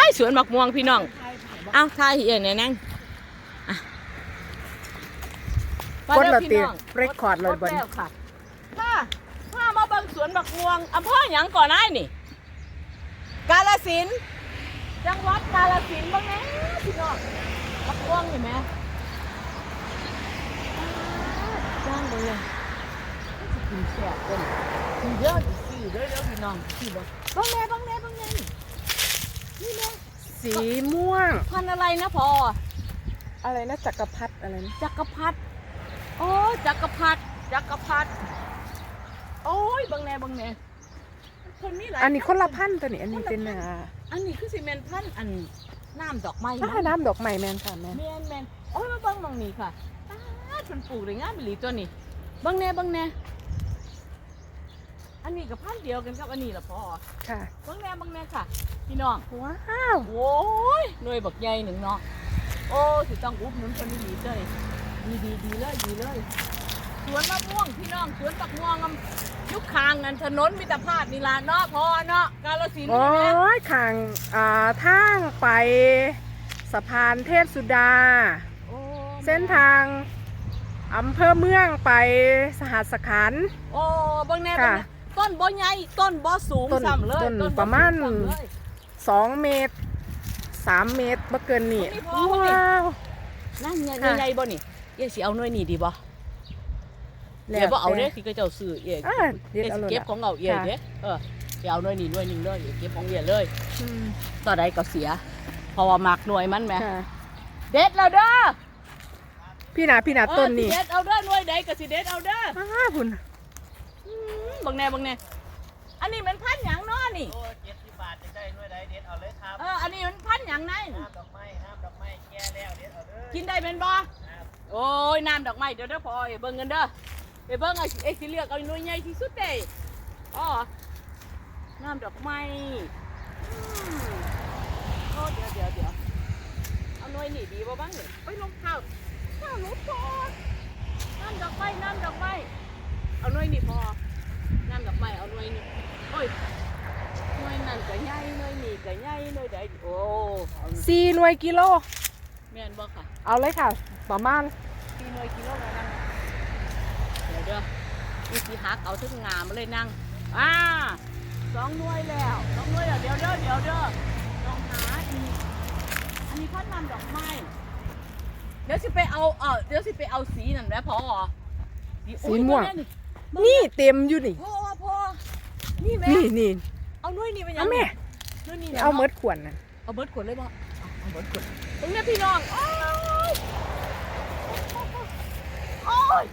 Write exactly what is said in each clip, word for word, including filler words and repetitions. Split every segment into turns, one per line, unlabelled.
สวนบักม่วงพี่น้องเอาทายเห็นไหนนั่ง
กดละตีเรคคอร์ดเลยบน
ค่ะถ้าถ้ามาเบิ่งสวนบักม่วงอำเภอหยังก่อนไอ้นี่กาฬสินธุ์จังหวัดกาฬสินธุ์บ้างแน่พี่น้องบักม่วงเห็นไหมจ้างเลยกินแซ่บเลยกินเยอะดิสี่เด้อเด้อพี่น้องสี่บ่บ้างแน่บ้างแน่บ้างแน่นี่แน่
สีม่วง
พันอะไรนะพอ
อะไรนะจักรพรรดิอะไรนะ
จักรพรรดิโอ้จักรพรรดิจักรพรรดิโอ้ยบางแน่บางแน่คนนี้หลาย
อันนี้คนละพันตัวนี้อันนี้เป็นอ่า
อันนี้คือซีเมนพันอันน้ำดอกไม้
ถ้าน้ำดอกไม้แมนค่ะแมน
แมนแมนโอ้ยมาบางบางนี่ค่ะอ้าคนปลูกเลยงามบิลีตัวนี้บางแน่บางแน่อันนี้กับพันเดียวกันครับอันนี้ละพอ
ค่ะ
บางแน่บางแน่ค่ะพี่น้อง
ว้าว
โอ้ยหน่วยบักใหญ่หนึ่งเนาะโอ้สิต้องอุบหนุนคนนี้เลยดีดีดีเลยดีเลยสวนมะม่วงพี่น้องสวนบักม่วงยุคคางกันถนนมิตรภาพนี่ล่ะเนาะพอเนาะกาฬสินธุ์
โอ้ยทางอ่าทางไปสะพานเทพสุดาเส้นทางอำเภอเมืองไปสหัสขันธ์
โอ้บางแน่บางแน่ต้นบ่ใหญ่ต้นบ่สูงซ้ำเลย
ต้นประมาณสองเมตรสามเมตรบ่เกินนี่ว้าว
นั่นใหญ่ใหญ่บ่นี่เอ๊ะสิเอาหน่วยนี่ดีบ่เดี๋ยวบ่เอาเด้สิก็เจ้าซื้อเองเดี๋ยวเก็บของเอาเองเด้เออเดี๋ยวเอาหน่วยนี่หน่วยนึงเลยเก็บของเองเลยต่อใดก็เสียเพราะว่ามักหน่วยมันแหมเด็ดแล้วเด้อ
พี่นาพี่นาต้นนี่
เด็ดเอาเด้อหน่วยใดก็สิเด็ดเอาเด้อ
อ้าพุ่น
บางแน่บางแน่อันนี้มันพันหยังเนาะนี่
โอ้เจ็ดสิบบาทจะได้หน่วยใดเด็ดเอาเลยครับ
เอออันนี้มันพันหยังไง
น้ำดอกไม้น้ำดอกไม้แก่แล้วเด็ดเอาเลย
กินได้เป็นบ่โอ้ยน้ำดอกไม้เดี๋ยวเด้อพอเบิ่งเงินเด้อไปเบิ่งไอ้ไอ้สิเลือกเอาหน่วยใหญ่ที่สุดเด้อ๋อน้ำดอกไม้โอ้เดี๋ยวเดี๋ยวเดี๋ยวเอาหน่วยนี่ดีบ่บ้างเนี่ยไปลงข้าวข้าวรถพอน้ำดอกไม้น้ำดอกไม้เอาหน่วยนี่พอน้ำดอกไม้เอาหน่วยนี่โอ้ยหน่วยนั่นก็ใหญ่หน่วยนี่ก็ใหญ่หน่วยใดโอ้
สี่หน่วยกิโล
แม่นบ่ค่ะ
เอาเลยค่ะประมาณ
สี่หน่วยกิโลแล้วนั่งเดี๋ยวเด้อมีสีหักเอาทึ่งงามมาเลยนั่งอ่าสองหน่วยแล้วสองหน่วยแล้วเดี๋ยวเด้อเดี๋ยวเด้อลองหาอีกอันนี้พันน้ำดอกไม้เดี๋ยวสิไปเอาเออเดี๋ยวสิไปเอาสีนั่นแหละพอ
สีม่วงนี่เต็มอยู่นี่
พอพอนี่แม่
นี่นี่
เอาหน่วยนี่ไปยัง
แม่เอาเมิดขวดนะ
เอาเมิดขวดเลยบ่เอาเมิดขวดตรงนี้พี่น้องโอ้ยโอ้ย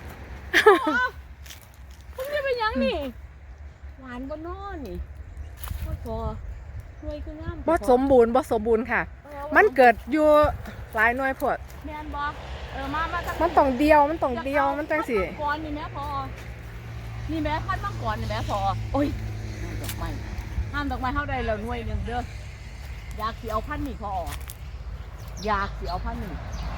ตรงนี้เป็นยังนี่หวานบ่นอนนี่พอหน่วยคืองาม
บ่สมบูรณ์บ่สมบูรณ์ค่ะมันเกิดอยู่หลายหน่วยพวด
แม่นบ่เออมามา
มันต้องเดียวมันต้องเดียวมันจังสิ
ก่อนนี่แม่พอนี่แม่พันมังกรนี่แม่พอโอ้ยดอกไม้ห้ามดอกไม้เท่าใดแล้วหน่วยนึงเด้ออยากสิเอาพันนี่พออยากสิเอาพันนี่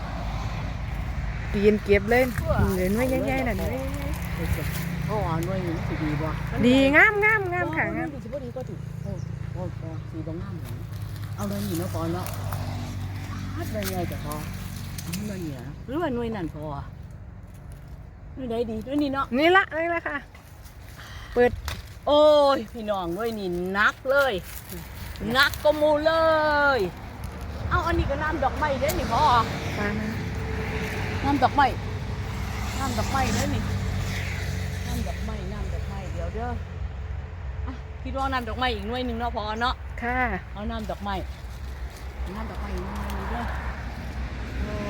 ปีนเก็บเลยเหลือหน่วยใหญ่ๆนั่นหน่วย
โอ้หน่วยนี้สิดีบ่
ดีงามงามงามค่ะงาม
สิบ่ดีก็ถูกโอ้โอ้สีบ่งามเอาหน่วยนี้เนาะพอเนาะพัดหน่วยใหญ่จะพอหน่วยนี้หรือว่าหน่วยนั่นพอหน่วยใดดีหน่วยนี้เนาะ
นี่ละนี่ละค่ะเปิด
โอ้ยพี่น้องหน่วยนี้นักเลยนักก็มูเลยเอาอันนี้ก็น้ำดอกไม้เด้นี่พอน้ำดอกไม้น้ำดอกไม้เด้นี่น้ำดอกไม้น้ำดอกไม้เดี๋ยวเด้อคิดว่าน้ำดอกไม้อีกหน่วยนึงเนาะพอเนาะ
ค่ะ
เอาน้ำดอกไม้น้ำดอกไม้อีกหน่วยนึงเด้อโอ้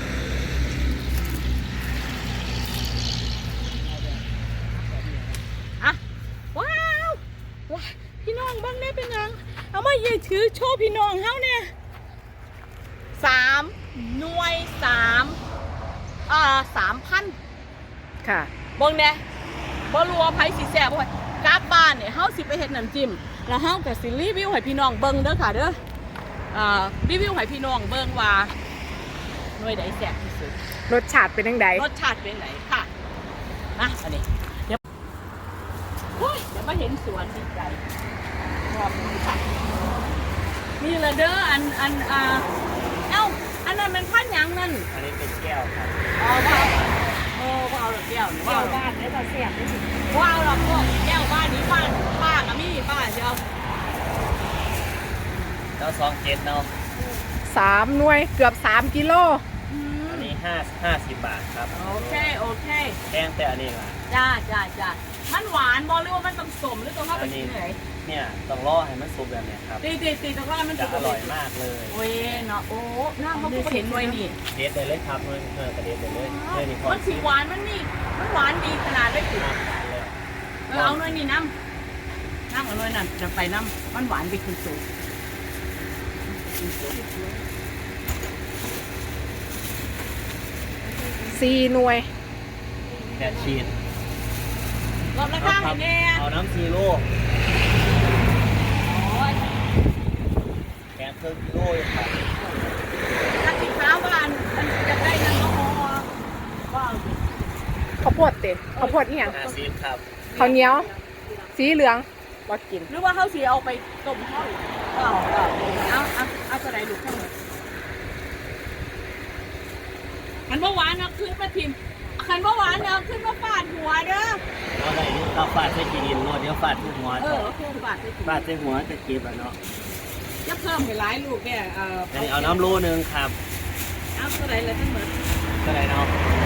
อะว้าวว้าพี่น้องบ้างเนี่ยเป็นยังเอามาเย่ถือโชว์พี่น้องเฮาเนี่ยสามหน่วยสามอ่าสามพัน
ค่ะ
เบิ่งเนี่ยบ่รู้ว่าไผสิแซ่บบ่กลับบ้านเนี่ยเฮาสิไปเฮ็ดน้ำจิ้มแล้วเฮาก็สิรีวิวให้พี่น้องเบิ่งเด้อค่ะเด้ออ่ารีวิวให้พี่น้องเบิ่งว่าหน่วยใดแซ่บที่สุด
รสชาติเป็นจังได
รสชาติเป็นไงค่ะนะอันนี้เดี๋ยวโอ้ยเดี๋ยวมาเห็นสวนดีใจรอบนี้ค่ะนี่ละเด้ออันอันอ่าเอ้าอันนั้นมันพันหยังนั่น
อันนี้เป็นแก้วครับ
อ๋อว่าโอ้ว่าเอาหรอกแก้วนี่ว่า
เจ้า
เอา
บ้านได้บ่เสียบได้สิ
ว่าเอาหรอกพวกแก้วบ้านนี้บ้านป้ากับมี่ป้าเดียว
แล้วซองเจ็ดเนาะ
สามหน่วยเกือบสามกิโล
อืม
อันนี้ห้าห้าสิบบาทครับ
โอเคโอเค
แพงแต่อันนี้ล่ะ
จ้าจ้าจ้ามันหวานบอหรือว่ามันต้องสมหรือต้องเข้าไปที่ไหน
เนี่ยต้องรอให้มันสุกแบบเนี้ยครับ
ตีตีตีตรงนั้นมัน
จะอร่อยมากเลย
โอ้ยเนาะโอ้หน้าเขาก็เห็นด้วยนี่
เด็ดเลยเลยครับเงินเงินกระเด็ดเลยเลยเงินนี่พอ
มันสีหวานมันนี่มันหวานดีขนาดได้ถึง
เลย
เออเอาหน่อยนี่น้ำน้ำเอาหน่อยนั่นจะไปน้ำมันหวานไปคือสูง
สี่หน่วย
แดดชีส
รอบละข้างเห็นแน่
เอาน้ำซีโร่
โอ้ย
แกงเครื่องกิโลเลยครับ
ถ้าสีขาวบ้านมันจะได้นั่นก็พอว่าเอาสิ
ข้าวโพดเตะข้าวโพดนี่ยัง
ห้าสิบครับ
ข้าวเหนียว สีเหลืองบ่กิน
หรือว่าเขาสีเอาไปต้มข้าวเอาเอาเอาเอาเอากระไดลูกข้างหนึ่งขันว่าหวานเอาขึ้นมาทิมขันว่าหวานเอาขึ้นมาฟาดหัวเด้อ
เอาไหนเอาฟาดใส่กีดินโรดเดี๋ยวฟาดที่หัว
เอ
จะ
อคือฟาดไปทิม
ฟาดใส่หัวจะเก็บแล้วเนาะ
จะเพิ่มไปหลายลูกเนี่ยเออ
อันนี้เอาน้ำโลนึงครับ
เอากระไดเลยทั้งหมด
ก็ได้เนาะ
เ